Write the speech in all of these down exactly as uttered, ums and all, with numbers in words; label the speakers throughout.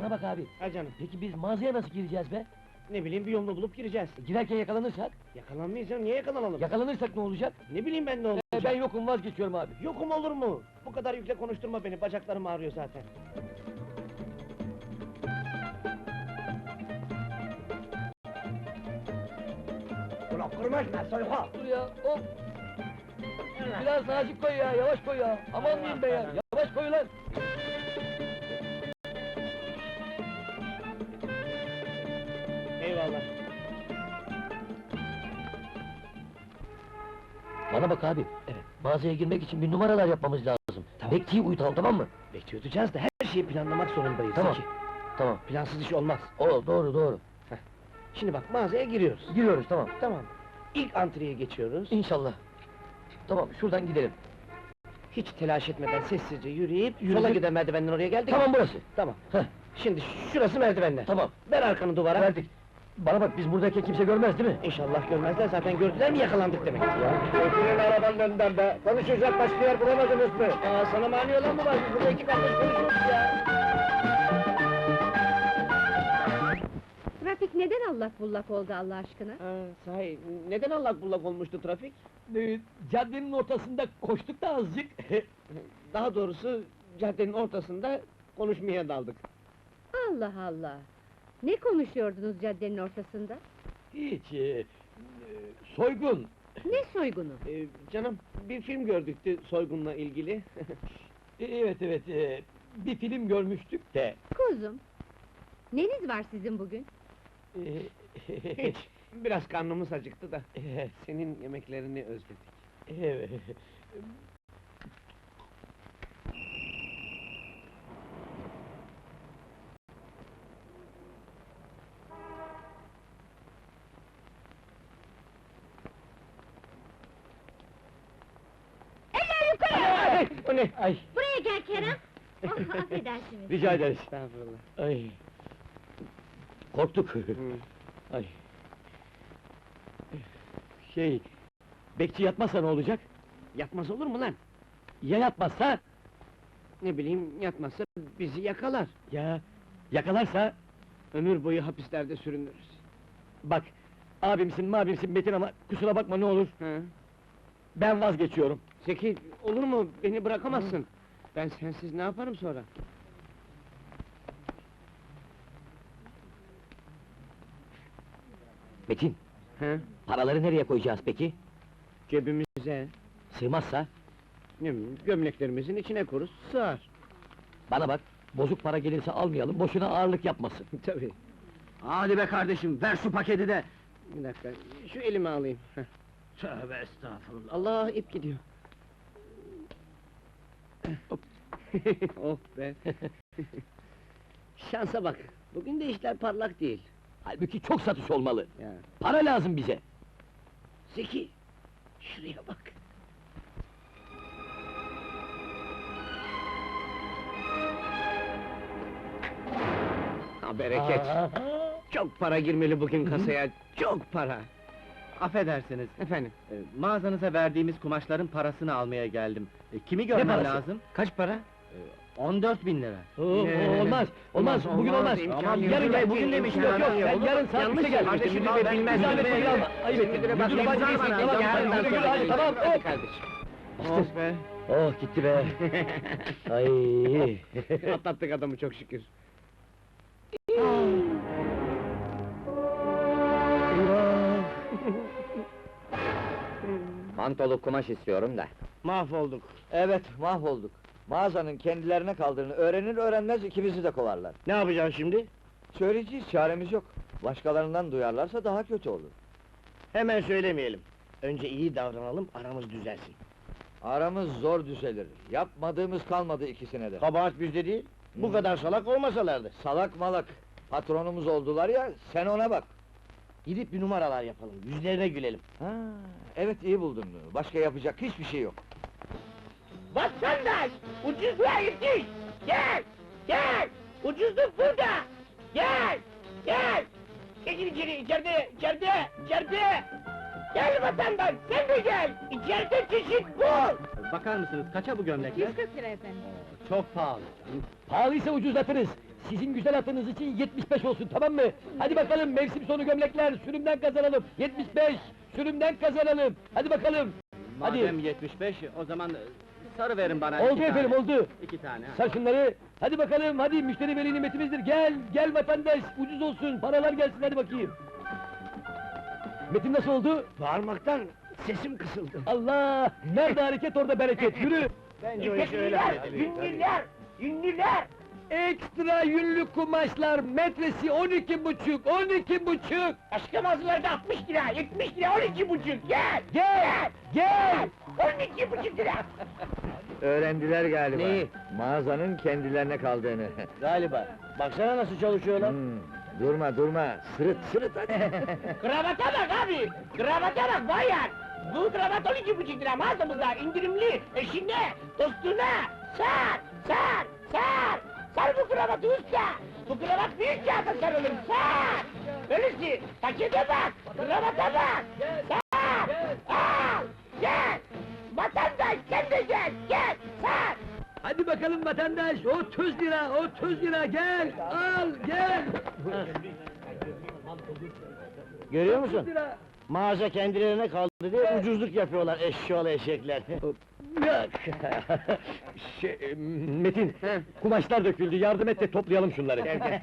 Speaker 1: Bana bak abi,
Speaker 2: Ha canım,
Speaker 1: peki biz mağazaya nasıl gireceğiz be?
Speaker 2: ne bileyim bir yolunu bulup gireceğiz.
Speaker 1: E, girerken yakalanırsak?
Speaker 2: Yakalanmayız canım, niye yakalanalım?
Speaker 1: Yakalanırsak ne olacak?
Speaker 2: Ne bileyim ben ne olacak?
Speaker 1: E, ben yokum, vazgeçiyorum abi.
Speaker 2: Yokum olur mu? Bu kadar yükle konuşturma beni, bacaklarım ağrıyor zaten. Ulan kırmaşma, soyka!
Speaker 1: Dur ya, hop! Biraz nazik koy ya, yavaş koy ya! Aman diyeyim be ya, yavaş koy lan!
Speaker 2: Eyvallah.
Speaker 1: Bana bak abi,
Speaker 2: Evet.
Speaker 1: mağazaya girmek için bir numaralar yapmamız lazım.
Speaker 2: Tamam.
Speaker 1: Bekçiyi uyutalım, tamam mı?
Speaker 2: Bekçi tutacağız da her şeyi planlamak zorundayız.
Speaker 1: Tamam.
Speaker 2: Zeki.
Speaker 1: Tamam.
Speaker 2: Plansız iş olmaz.
Speaker 1: O, doğru, doğru.
Speaker 2: Şimdi bak, mağazaya giriyoruz.
Speaker 1: Giriyoruz, tamam.
Speaker 2: Tamam. İlk antreye geçiyoruz.
Speaker 1: İnşallah. Tamam, şuradan gidelim.
Speaker 2: Hiç telaş etmeden sessizce yürüyüp,
Speaker 1: Yürüdük.
Speaker 2: sola giden merdivenden oraya geldik.
Speaker 1: Tamam, burası.
Speaker 2: Tamam.
Speaker 1: Heh,
Speaker 2: Şimdi şurası merdivenler.
Speaker 1: tamam.
Speaker 2: Ver arkanı duvara.
Speaker 1: Verdik. Bana bak, biz buradayken kimse görmez değil mi?
Speaker 2: İnşallah görmezler, zaten gördüler mi yakalandık demek.
Speaker 1: Götürün arabanın önünden be! Konuşacak başka yer bulamadınız mı?
Speaker 2: Aa, sana mani olan mı var? Biz burada iki kardeş konuşuyoruz ya.
Speaker 3: Trafik neden allak bullak oldu Allah aşkına?
Speaker 2: Ha, sahi, neden allak bullak olmuştu trafik?
Speaker 1: Ee, caddenin ortasında koştuk da azıcık.
Speaker 2: Daha doğrusu, caddenin ortasında konuşmaya daldık.
Speaker 3: Allah Allah! Ne konuşuyordunuz caddenin ortasında?
Speaker 1: Hiç, e, e, soygun.
Speaker 3: Ne soygunu?
Speaker 2: Ee, canım, bir film gördüktü soygunla ilgili.
Speaker 1: E, Evet, evet, e, bir film görmüştük de...
Speaker 3: Kuzum! Neniz var sizin bugün?
Speaker 1: e,
Speaker 2: Hiç, biraz karnımız acıktı da, senin yemeklerini özledik.
Speaker 1: Evet.
Speaker 3: Eller yukarı!
Speaker 2: Ay, o ne?
Speaker 1: Ay,
Speaker 3: Buraya gel Kerem! Oh, affedersiniz.
Speaker 1: rica ederiz.
Speaker 2: Estağfurullah.
Speaker 1: Ay. Korktuk.
Speaker 2: Hı.
Speaker 1: Ay. Şey, bekçi yatmazsa ne olacak?
Speaker 2: Yatmaz olur mu lan?
Speaker 1: Ya yatmazsa?
Speaker 2: Ne bileyim, yatmazsa bizi yakalar.
Speaker 1: Ya yakalarsa?
Speaker 2: Ömür boyu hapislerde sürünürüz.
Speaker 1: Bak, abimsin mabimsin Metin ama kusura bakma ne olur.
Speaker 2: Ha?
Speaker 1: Ben vazgeçiyorum.
Speaker 2: Zeki, olur mu? Beni bırakamazsın. Ben sensiz ne yaparım sonra?
Speaker 1: Metin,
Speaker 2: Ha?
Speaker 1: paraları nereye koyacağız peki?
Speaker 2: Cebimize,
Speaker 1: Sığmazsa?
Speaker 2: ne bileyim, gömleklerimizin içine koruz, sığar.
Speaker 1: Bana bak, bozuk para gelirse almayalım, boşuna ağırlık yapmasın.
Speaker 2: Tabii.
Speaker 1: Hadi be kardeşim, ver şu paketi de!
Speaker 2: Bir dakika, şu elimi alayım. Heh.
Speaker 1: Tövbe estağfurullah!
Speaker 2: Allah, ip gidiyor.
Speaker 1: Hop.
Speaker 2: Oh be! Şansa bak, bugün de işler parlak değil.
Speaker 1: Halbuki çok satış olmalı.
Speaker 2: Ya.
Speaker 1: Para lazım bize.
Speaker 2: Zeki, şuraya bak! Ha bereket! Çok para girmeli bugün kasaya, çok para!
Speaker 4: Affedersiniz,
Speaker 2: Efendim,
Speaker 4: e, mağazanıza verdiğimiz kumaşların parasını almaya geldim. E, kimi görmem
Speaker 1: parası?
Speaker 4: lazım?
Speaker 2: kaç para?
Speaker 4: on dört bin lira.
Speaker 1: Oo,
Speaker 2: Ne?
Speaker 1: olmaz, olmaz,
Speaker 2: Olmaz,
Speaker 1: bugün
Speaker 2: olmaz,
Speaker 1: olmaz.
Speaker 2: imkanı
Speaker 1: Tamam,
Speaker 2: yok.
Speaker 1: yarın gel,
Speaker 2: Yok,
Speaker 1: bugün demiştim, yok
Speaker 2: imkanı
Speaker 1: yok,
Speaker 2: yok,
Speaker 1: sen yarın saat
Speaker 2: yanlış
Speaker 1: üçte gel.
Speaker 2: kardeşim,
Speaker 1: Müdür
Speaker 2: müdür
Speaker 1: bey
Speaker 2: bilmez,
Speaker 1: zahmet
Speaker 2: müdür
Speaker 1: beni
Speaker 2: bey.
Speaker 1: alma, ayıp ettin.
Speaker 2: Müdüre bak,
Speaker 1: Müdür
Speaker 2: imza
Speaker 1: bacı değilsin,
Speaker 2: bana,
Speaker 1: tamam,
Speaker 2: yarın
Speaker 1: tamam,
Speaker 2: ben
Speaker 1: müdür,
Speaker 2: sana
Speaker 1: hadi, tamam,
Speaker 2: Hadi
Speaker 1: hop!
Speaker 2: kardeşim.
Speaker 1: Oh
Speaker 2: be!
Speaker 1: Oh, gitti be! Ay!
Speaker 2: Atlattık adamı çok şükür.
Speaker 1: Eyvah!
Speaker 4: Mantolu kumaş istiyorum da.
Speaker 2: Mahvolduk.
Speaker 5: Evet, mahvolduk. Mağazanın kendilerine kaldığını öğrenir öğrenmez ikimizi de kovarlar.
Speaker 2: Ne yapacağız şimdi?
Speaker 5: Söyleyeceğiz, çaremiz yok. Başkalarından duyarlarsa daha kötü olur.
Speaker 2: Hemen söylemeyelim. Önce iyi davranalım, aramız düzelsin.
Speaker 5: Aramız zor düzelir. Yapmadığımız kalmadı ikisine de.
Speaker 2: Kabahat bizde değil, bu
Speaker 5: Hı.
Speaker 2: kadar salak olmasalardı.
Speaker 5: Salak malak, patronumuz oldular ya, sen ona bak.
Speaker 2: Gidip bir numaralar yapalım, yüzlerine gülelim.
Speaker 5: Ha, evet iyi buldun. Başka yapacak hiçbir şey yok.
Speaker 2: Vatandaş! Ucuzluğa yetiş! Gel! Gel! Ucuzluk burada! Gel! Gel! Geçin içeri, içeride, içeride, içeride! Gel vatandaş, sen de gel! İçeride çeşit bul!
Speaker 4: Bakar mısınız, kaça bu gömlekler?
Speaker 3: yüz kırk lira efendim.
Speaker 4: Çok pahalı.
Speaker 1: Pahalıysa ucuzlatırız. sizin güzel atınız için yetmiş beş olsun, tamam mı? Hadi bakalım, mevsim sonu gömlekler, sürümden kazanalım. yetmiş beş, sürümden kazanalım. Hadi bakalım. Hadi.
Speaker 4: Madem yetmiş beş, o zaman e, sarı verin bana.
Speaker 1: Oldu
Speaker 4: iki
Speaker 1: efendim,
Speaker 4: tane.
Speaker 1: oldu.
Speaker 4: İki tane. ha.
Speaker 1: Sar şunları. Hadi bakalım, hadi müşteri veli nimetimizdir. Gel, gel vatandaş, ucuz olsun, paralar gelsin, hadi bakayım. Metin nasıl oldu?
Speaker 2: Bağırmaktan sesim kısıldı.
Speaker 1: Allah! Nerede hareket orada bereket, yürü!
Speaker 4: Bence o işi öyle
Speaker 2: Ünlüler,
Speaker 4: halledelim.
Speaker 2: ünlüler, ünlüler!
Speaker 1: Ekstra yünlü kumaşlar, metresi on iki buçuk, on iki buçuk!
Speaker 2: Aşkım hazırlarda altmış lira, yetmiş lira, on iki buçuk, gel!
Speaker 1: Gel, gel!
Speaker 2: On iki buçuk lira!
Speaker 5: Öğrendiler galiba.
Speaker 1: Neyi?
Speaker 5: Mağazanın kendilerine kaldığını.
Speaker 1: Galiba. Baksana nasıl çalışıyorlar.
Speaker 5: Hmm, durma durma, sırıt sırıt hadi.
Speaker 2: Kravata bak abi! Kravata bak bayan! Bu kravat on iki buçuk lira mağazamızda indirimli, eşine, dostuna! Sar, sar, sar! Sar bu kravatı usta! Bu kravat büyük kağıda sarılır, sar! Öylesi, pakete bak, kravata bak! Sar! Al! Gel! Vatandaş sen de gel, gel! Sar!
Speaker 1: Hadi bakalım vatandaş, otuz lira, otuz lira, gel, al, gel!
Speaker 2: Görüyor
Speaker 1: otuz lira.
Speaker 2: Mağaza kendilerine kaldı diye ucuzluk yapıyorlar eşşoğlu eşekler.
Speaker 1: Şey, Metin, kumaşlar döküldü, yardım et de toplayalım şunları.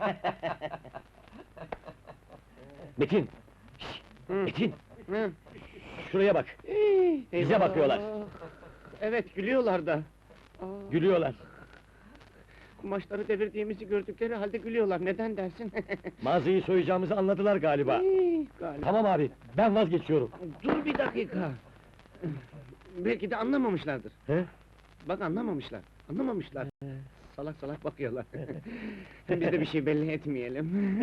Speaker 1: Metin! şş, Metin! Şuraya bak, bize bakıyorlar,
Speaker 4: Evet, gülüyorlar da.
Speaker 1: gülüyorlar.
Speaker 4: Kumaşları devirdiğimizi gördükleri halde gülüyorlar, neden dersin?
Speaker 1: Mağazayı soyacağımızı anladılar galiba.
Speaker 4: Galiba.
Speaker 1: Tamam abi, ben vazgeçiyorum.
Speaker 4: Dur bir dakika! Belki de anlamamışlardır.
Speaker 1: He?
Speaker 4: Bak anlamamışlar, anlamamışlar. Salak salak bakıyorlar. Biz de bir şey belli etmeyelim.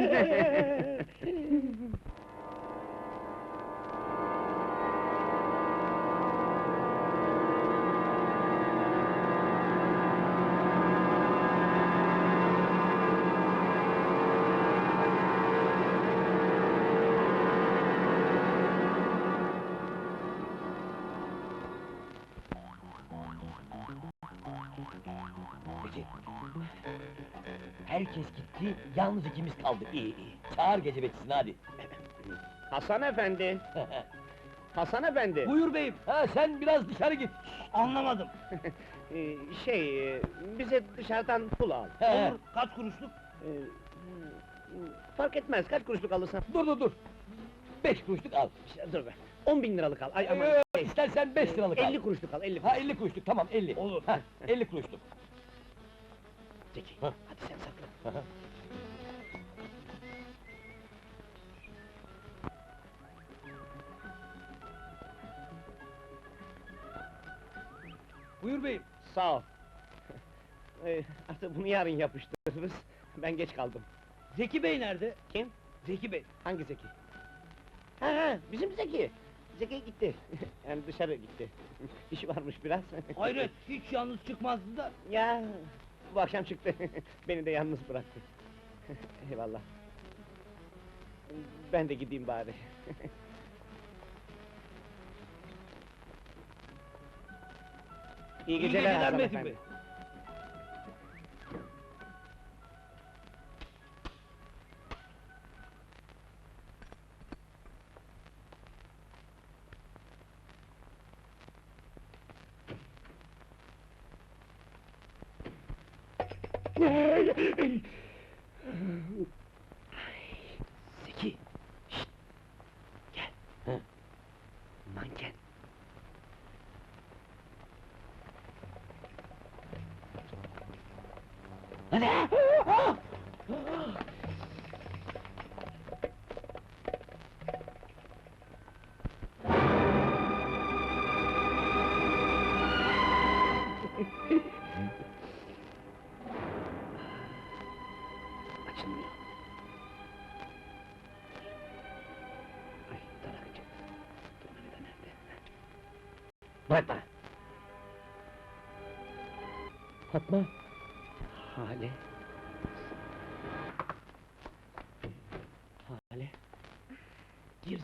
Speaker 1: Herkes gitti, yalnız ikimiz kaldık. İyi iyi. Çağır gece bekçisini hadi.
Speaker 4: Hasan efendi! Hasan efendi!
Speaker 1: Buyur beyim. Ha sen biraz dışarı git.
Speaker 2: Anlamadım.
Speaker 4: Ee, şey, e, bize dışarıdan pul al.
Speaker 1: He.
Speaker 2: Kaç kuruşluk?
Speaker 4: Ee, fark etmez, kaç kuruşluk alırsan.
Speaker 1: Dur dur dur. Beş kuruşluk al.
Speaker 4: Dur be, on bin liralık al, ay aman!
Speaker 1: Ee, istersen beş liralık al.
Speaker 4: elli kuruşluk al, elli
Speaker 1: Ha elli kuruşluk, tamam elli.
Speaker 2: Olur.
Speaker 1: Ha elli kuruşluk.
Speaker 4: Zeki,
Speaker 1: Ha.
Speaker 4: hadi sen sakla.
Speaker 1: Aha. Buyur beyim.
Speaker 4: Sağ ol. Ee, artık bunu yarın yapıştırırız, ben geç kaldım.
Speaker 2: Zeki Bey nerede?
Speaker 4: Kim?
Speaker 2: Zeki Bey.
Speaker 4: Hangi Zeki? Ha ha, bizim Zeki! Zeki gitti, yani dışarı gitti. İşi varmış biraz.
Speaker 2: Hayret, hiç yalnız çıkmazdı da.
Speaker 4: Ya, bu akşam çıktı, beni de yalnız bıraktı. Eyvallah. Ben de gideyim bari. İyi
Speaker 2: İyi
Speaker 4: geceler,
Speaker 2: geceler
Speaker 4: Hasan
Speaker 2: Metin
Speaker 4: efendi.
Speaker 2: Bey.
Speaker 4: Zeki! Şşt! Gel!
Speaker 1: He.
Speaker 4: Manken!
Speaker 1: Hadi.
Speaker 4: Açılmıyor. Ay, tarakçı. Dur, nerede, nerede?
Speaker 1: Bırak bana. Fatma.
Speaker 4: Hale!